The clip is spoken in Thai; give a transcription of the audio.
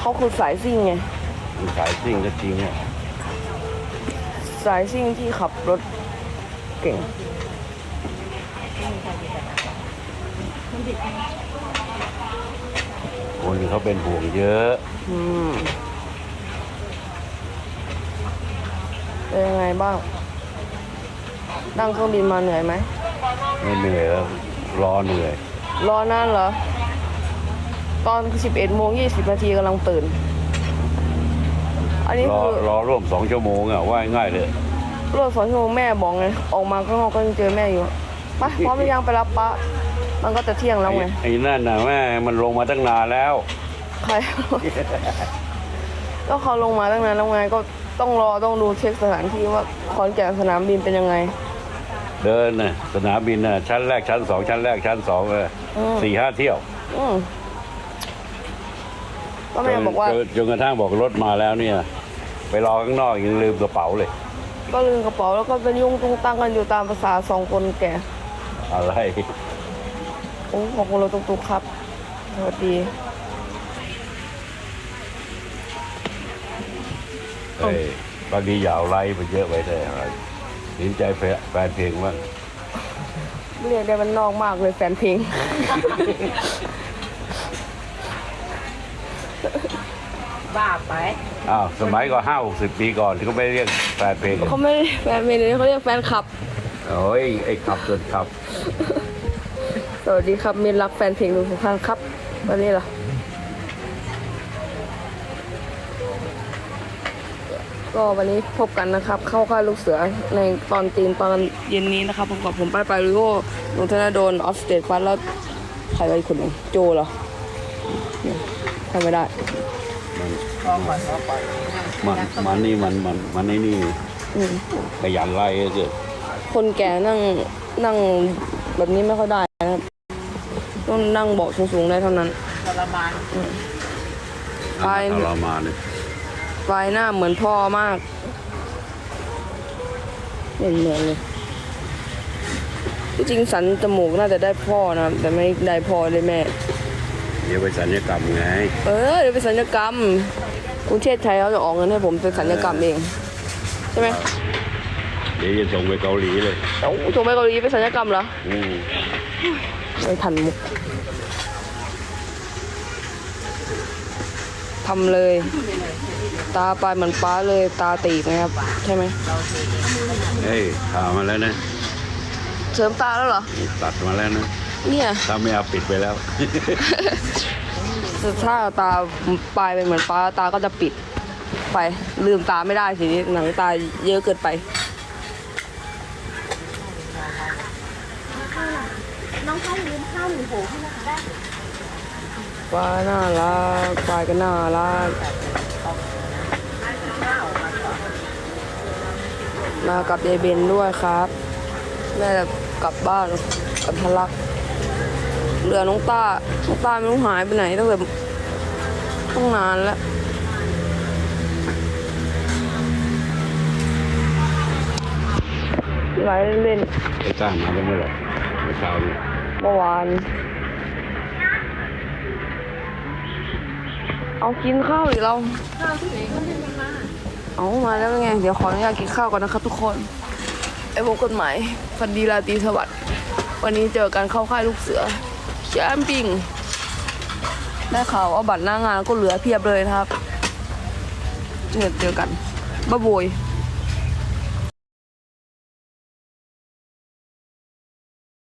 เขาคือสายซิ่งไงสายซิ่งก็จริงอ่ะสายซิ่งที่ขับรถเก่งคนเขาเป็นห่วงเยอะเป็นยังไงบ้างนั่งเครื่องบินมาเหนื่อยไหมไม่เหนื่อยแล้วรอเหนื่อยรอนานเหรอตอน 11:20 กำลังตื่นอันนี้คือรอร่วม2 ชั่วโมงอ่ะว่าง่ายเลยรถ2 ชั่วโมงแม่บอกไงออกมาข้างนอกก็ยังเจอแม่อยู่ไปพร้อมหรือยังไปรับป้ามันก็จะเที่ยงแล้วไงไอ้นั่นน่ะแม่มันลงมาตั้งนานแล้วใครก็เขาลงมาตั้งนานแล้วไงก็ต้องดูเช็คสถานที่ว่าขอนแก่นสนามบินเป็นยังไงเดินน่ะสนามบินน่ะชั้นแรกชั้น2ชั้นแรกชั้น2เลย4-5 เที่ยวก็แม่บอกว่าจนกระทั่งบอกรถมาแล้วเนี่ยไปรอข้างนอกยังลืมกระเป๋าเลยก็ลืมกระเป๋าแล้วก็เป็นยุ่งตุ้งตั้งกันอยู่ตามภาษา2 คนแก่อะไรโอ้ขอบคุณเราตุกๆครับสวัสดีบางทีอย่าเอาไลฟ์ไปเยอะไว้ได้อะไรเห็นใจแฟนเพลงบ้างเรียกได้มันนอกมากเลยแฟนเพลงบ้าไปสมัยก็50-60 ปีก่อนที่เขาไม่เรียกแฟนเพลงเขาไม่แฟนเพลงเขาเรียกแฟนคลับโอ้ยไอ้ขับจนขับสวัสดีครับมินรักแฟนเพลงทุกท่านครับวันนี้ล่ะก็วันนี้พบกันนะครับเข้าค่ายลูกเสือในตอนเย็นนี้นะครับผมกับผมไปริโอหนุ่มธนดลออฟสเตทฟัสแล้วใครอีกคนหนึ่งโจเหรอทำไม่ได้มันนี่มันนี่ขยันไล่เกิดคนแก่นั่งแบบนี้ไม่ค่อยได้นะครับต้องนั่งเบาะสูงๆได้เท่านั้นทรมานทรมานเลยปลายหน้าเหมือนพ่อมากเหมือนเลยที่จริงสันจมูกน่าจะได้พ่อนะแต่ไม่ได้พ่อเลยแม่เดี๋ยวไปสัญญกรรมไงเดี๋ยวไปสัญญกรรมกรุงเทพไทยเขาจะออกเงินให้ผมเป็นสัญญกรรมเองใช่ไหมเดี๋ยวจะส่งไปเกาหลีเลยส่งไปเกาหลีไปสัญญกรรมเหรอไม่ทันมุกทำเลยตาปลายเหมือนป้าเลยตาตีบนะครับใช่ไหมทามาแล้วนะเสริมตาแล้วเหรอตัดมาแล้วนะเนี่ยถ้าไม่เอาปิดไปแล้วถ้าตาปลายเป็นเหมือนป้าตาก็จะปิดไปลืมตาไม่ได้สิหนังตาเยอะเกินไปน้องข้าวลืมข้าวหนึ่งโผล่ให้นะคะได้ปลาน่ารักปลายก็น่ารักมากับยายเบนด้วยครับแม่จะกลับบ้านกับทะลักเหลือน้องต้าไม่รู้หายไปไหนตั้งแต่ต้องนานแล้วไหลเล่นไอ้ต้ามาได้เมื่อไหร่เช้านี้เมื่อวานเอากินข้าวหรือเราข้าวที่ไหนก็ไม่มาเอามาแล้วไงเดี๋ยวขออนุญาตกินข้าวก่อนนะครับทุกคนไอ้พวกกฎหมายฟันดีราตรีสวัสดิ์วันนี้เจอกันเข้าค่ายลูกเสือแคมปิ้งได้ข่าวว่าบัตรหน้างานก็เหลือเพียบเลยนะครับเจอกันบ๊ายบาย